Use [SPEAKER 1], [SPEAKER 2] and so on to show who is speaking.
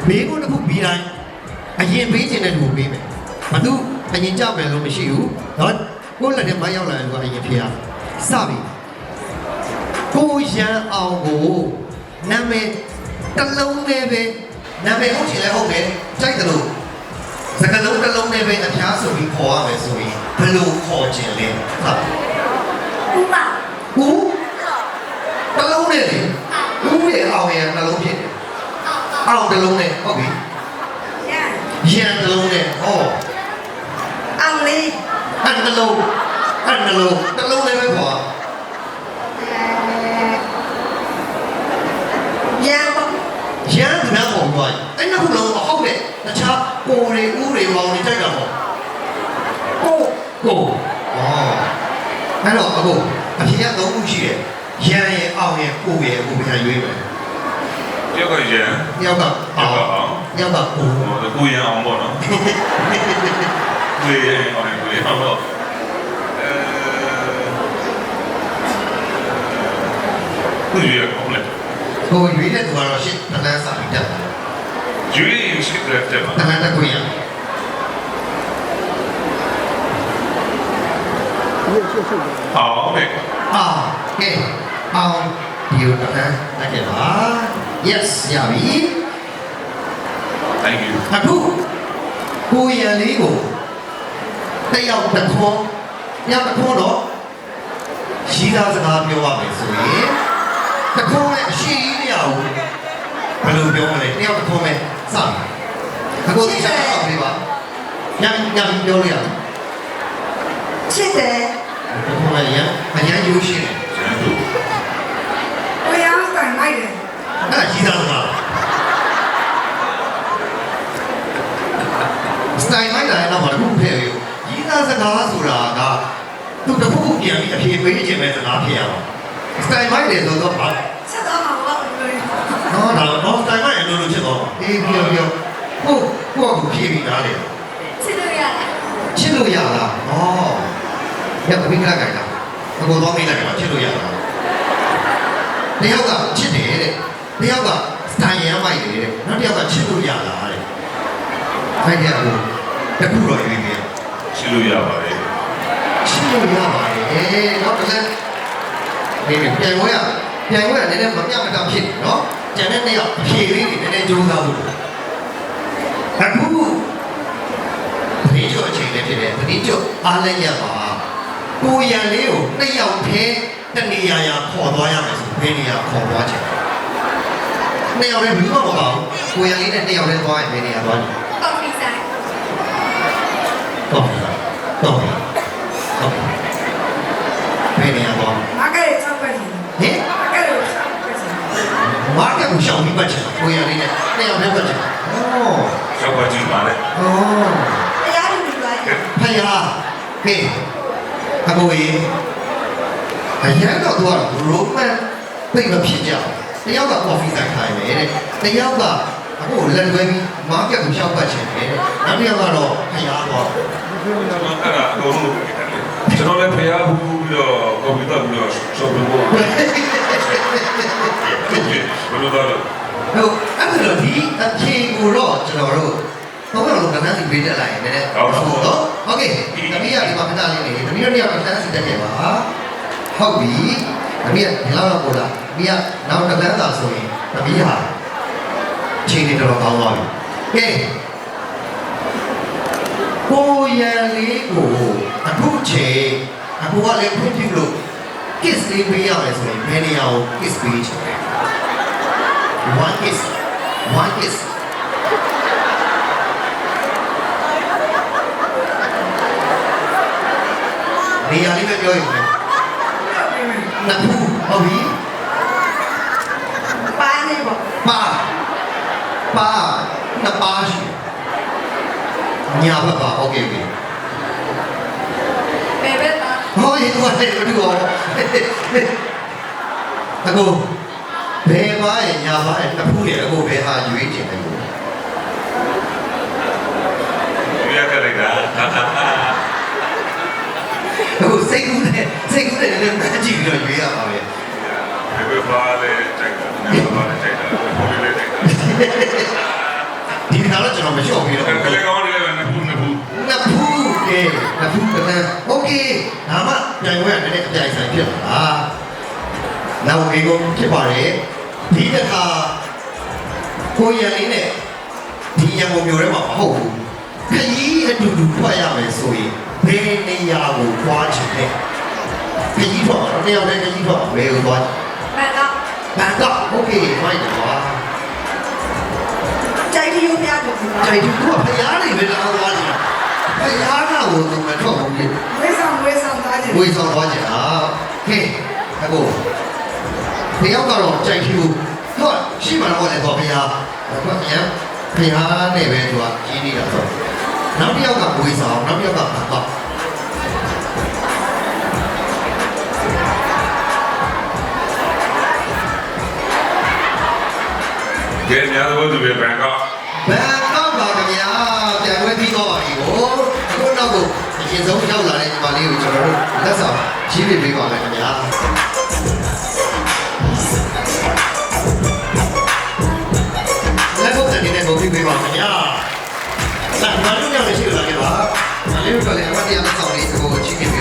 [SPEAKER 1] ဘေးကိုတစ်ခုပြီးတိုင်းအရင်ပေးခြင်းတဲ့လူပေးမယ်ဘာလို့အရင်ကြောက်မယ်လို့မရှိဘူးနော်ကိုယ်လက်ထဲမှာရောက်လာတယ်ဆိုအရင်ဖေးရစပြီကိုရန်အောင်ကိုနာမည်တစ်လုံးနဲ့ပဲနာမည်ဟုတ်ချင်လဲဟုတ်တယ်ကြိုက်တယ်လို့စကားလုံးတစ်လုံးနဲ့ပဲအဖျားဆိုပြီးခေါ်ရမယ်ဆိုရင်ဘယ်လိုခေါ်ခြင်းလဲဟုတ်
[SPEAKER 2] ဦးပါ
[SPEAKER 1] ဦးတစ်လုံးနဲ့လေဦးရဲ့အောင်ရဲ့နှလုံးဖြစ်တယ်အောင်တစ်လုံးနဲ့ဟုတ်ပြီရန်တစ်လုံးနဲ့ဟော
[SPEAKER 2] အောင်လေး
[SPEAKER 1] နှလုံးတစ်လုံးနဲ့ပဲခေါ်
[SPEAKER 2] ရန်ပေါ့
[SPEAKER 1] ရန်ကလည်းပေါ်သွားအဲ့နှစ်ခုလုံးဟုတ်တယ်တခြားကိုယ်တွေဦးတွေပေါင်းနေကြတာပေါ့ကိုအဲ့တော့အခုအဖြစ်ရ3ခုရှိတယ်ရန်ရဲ့အောင်ရဲ့ကိုယ်ရဲ့ကိုယ်ပြန်ရွေးမယ်
[SPEAKER 3] တယောက်ကရန်
[SPEAKER 1] တယောက်ကအောင်တယောက်က
[SPEAKER 3] ကိုရန်အောင်ပေါ့နော်ကိုရန်အောင်ကိုရန်အောင်တော့ကိုရန်အောင်လေ
[SPEAKER 1] ကိုရွေးတဲ့သူကတော့ရှစ်တန်းစာပြီးတက်
[SPEAKER 3] ရွေးရင်ရှစ်တက်တယ်ပါ
[SPEAKER 1] တန်းတက်ခွင့်ရ
[SPEAKER 3] ဟုတ်တယ်
[SPEAKER 1] ကဲအောင်ဒီလိုတန်းတက်ခဲ့ပါ yes ရပြီ
[SPEAKER 3] thank you
[SPEAKER 1] အခုကိုရန်လေးကိုတယောက်တစ်ခေါ်တော့ရှိသားစကားပြောရမယ်ဆိုရင်တခုံးနဲ့အရှိကြီးမရဘူးဘယ်လိုပြောမလဲတယောက်တခုံးနဲ့စပြီအခုဒီချက်တော့ပြပါညပြောလို့ရတယ်
[SPEAKER 2] ချစ်တယ်
[SPEAKER 1] တခုံးနဲ့အရန်ယူရှင်းတယ်
[SPEAKER 2] ဝေးအောင်တိုင်လိုက်တယ်
[SPEAKER 1] အဲ့ဒါကြီးသားစကားစတိုင်လိုက်တာလည်းတော့တခုဖဲ့ရောကြီးသားစကားဆိုတာကသူတခုပြန်ပြီးအဖြေပေးခြင်းပဲစကားဖြစ်ရအောင်စတိုင်မိုက်တယ်ဆိုတော့ဟာ
[SPEAKER 2] ချက်တော့မှာပေါ့
[SPEAKER 1] နော်စတိုင်မိုက်အလိုလိုဖြစ်တော့အေးပြောကိုဖြေပြီးသားလေ
[SPEAKER 2] ချစ်လို့ရလား
[SPEAKER 1] ချစ်လို့ရလားဩရတပိကလာကြတာအကိုတော့မိလိုက်တာချစ်လို့ရလားတယောက်ကချစ်တယ်တဲ့တယောက်ကစတိုင်ရမ်းမိုက်တယ်တဲ့နောက်တယောက်ကချစ်လို့ရလားတဲ့ခိုင်းတယ်အခုတခုတော့ရွေးပြီး
[SPEAKER 3] ချစ်လို့ရပါတယ်
[SPEAKER 1] ချစ်လို့ရပါတယ်နောက်တစ်ချက်နေပြန်ဝဲနည်းနည်းမပြတ်မတတ်ဖြစ်နော်ကျန်တဲ့နေ့ရောက်အဖြေလေးတွေနည်းနည်းကြိုးစားဖို့အခုဒီကြောအချိန်လေးဖြစ်တယ်ဒီကြောအားလည်းရပါကိုရန်လေးကိုနှစ်ယောက်ထဲတနေရာခေါ်သွားရမယ်ဆိုဘယ်နေရာခေါ်သွားချင်နှစ်ယောက်လည်းဘူးမပေါ့ကိုရန်လေးနဲ့နှစ်ယောက်လည်းသွားရင်ဘယ်နေရာသွားလဲ
[SPEAKER 2] ကော်ဖီဆိုင်
[SPEAKER 1] တော့ဘယ်နေရာသွား
[SPEAKER 2] မာကတ်6ပဲဟင်
[SPEAKER 1] မာကတ်ကိုရှောင်ပြီးပတ်ချင်ကိုရလေးနဲ့နှစ်ယောက်တည်းပတ်ချင်
[SPEAKER 3] ရှောက်ပတ်ကြည့်ပါလေ
[SPEAKER 2] တရားလူတွေလိုက်
[SPEAKER 1] ဖယားဟေးအကိုကြီးအရင်တော့သူကရိုမန်သိမဖြစ်ကြတယောက်ကကော်ဖီဆိုင်ခိုင်းမယ်တဲ့တယောက်ကအခုလက်တွဲပြီးမာကတ်ကိုရှောက်ပတ်ချင်တယ်နောက်တစ်ယောက်ကတော့ဖယားပေါ့
[SPEAKER 3] အဲ့ဒါအကုန်လုံးကျွန်တော်လည်းဖယားဘူးပြီးတော့ကွန်ပျူတာပြီးတော့ရှော့ဖို့ဘယ်လိုလဲ
[SPEAKER 1] ဟုတ်အဲ့ဒါဒီအဖြေကိုတော့ကျွန်တော်တို့ဘာလို့ကဏ္ဍစီပေးတက်လိုက်ရင်လည်းဟုတ်တော့โอเคတမီးကဒီမှာခဏလေးနေတမီးတို့เนี่ยကဏ္ဍစီတက်ခဲ့ပါဟုတ်ပြီတမီးကဒီလောက်တော့ပို့လားတမီးကနောက်တစ်ခါသာဆိုရင်တမီးဟာချိန်နေတော့ကောင်းသွားပြီကဲကိုရန်လေးကိုအခုချိန်အခုကလည်းဖွင့်ပြလို့ kiss လေးပေးရမယ်ဆိုရင်ဘယ်နေရာကို kiss ပေးချင်လဲone kiss နေရာလေးပဲပြောရင်နှစ်ခုဟုတ်ပြီ
[SPEAKER 2] ပါနေပေါ့
[SPEAKER 1] ပါနှစ်ပါရှိညာဘက်ပါโอเคပြီ
[SPEAKER 2] ဘယ်ဘက်ပါ
[SPEAKER 1] ဟောဒီကွာတဲ့ဒီကောအခုဘယ်ပါရဲ့ညာပါရဲ့တစ်ခုရဲ့အခုဘယ်ဟာရွေးချင်တယ်လို့
[SPEAKER 3] ရွေးရကြလိုက်တာ
[SPEAKER 1] အခုစိတ်ကူးနဲ့လည်းကြည့်ပြီးတော့ရွေးရပါပဲ
[SPEAKER 3] ဘယ်ပါလဲတိုက်တာဘယ်ပါလဲတိုက်တာဘယ်လိုလဲတိုက်တာ
[SPEAKER 1] နှစ်ခုတစ်လမ်းโอเคဒါမှပြိုင်ပွဲကလည်းအပြိုင်ဆိုင်ဖြစ်လာနောက်ဒီကိုဖြစ်ပါတယ်ဒီတစ်ခါကိုရလေးနဲ့ဒီရံကုန်မျိုးထဲမှာမဟုတ်ဘူးခကြီးအတူတူထွက်ရမယ်ဆိုရင်ဘယ်နေရာကိုသွားချင်လဲခကြီးထွက်တော့တယောက်တည်းခကြီးထွက်ဘယ်ကိုသွား
[SPEAKER 2] ဘန်ကောက်
[SPEAKER 1] ဘန်ကောက်โอเคဖိုက်တယ်ကွာ
[SPEAKER 2] ကြိုက်တီရိုးပြတယ်
[SPEAKER 1] ใจดูว่าพยานี่เป็นเอาသွားကြพยาနာကိုသူမထွက်ဘူးလေ
[SPEAKER 2] ဝေးဆောင်သားတယ်
[SPEAKER 1] ဝေဆောင်သွားကြอ่ะဟေးအခုတယောက်ကတော့ကြိုက်ဖြူဟုတ်ရှိမှတော့လေတော့พยาတော့ပြန်พยาနဲ့ပဲသူကကြီးနေတာဆိုနောက်တစ်ယောက်ကဝေဆောင်နောက်တစ်ယောက်ကဘာတော့
[SPEAKER 3] ကဲများတော့သူပဲဘန်ကောက်
[SPEAKER 1] ဘန်ကောက်ပါခင်ဗျာပြန်ဝဲပြီးတော့ပါပြီကိုအခုနောက်ကိုအရင်ဆုံးရောက်လာတဲ့ဒီပါလေးကိုကျွန်တော်တို့လက်ဆောင်ကြီးပြပေးပါမယ်ခင်ဗျာလက်ဖို့တဲ့နေကိုပြပေးပါခင်ဗျာဆက်မလို့ရမရှိလာကြပါမလေးတို့လည်းအမတရားလက်ဆောင်လေးကိုချင်းပြ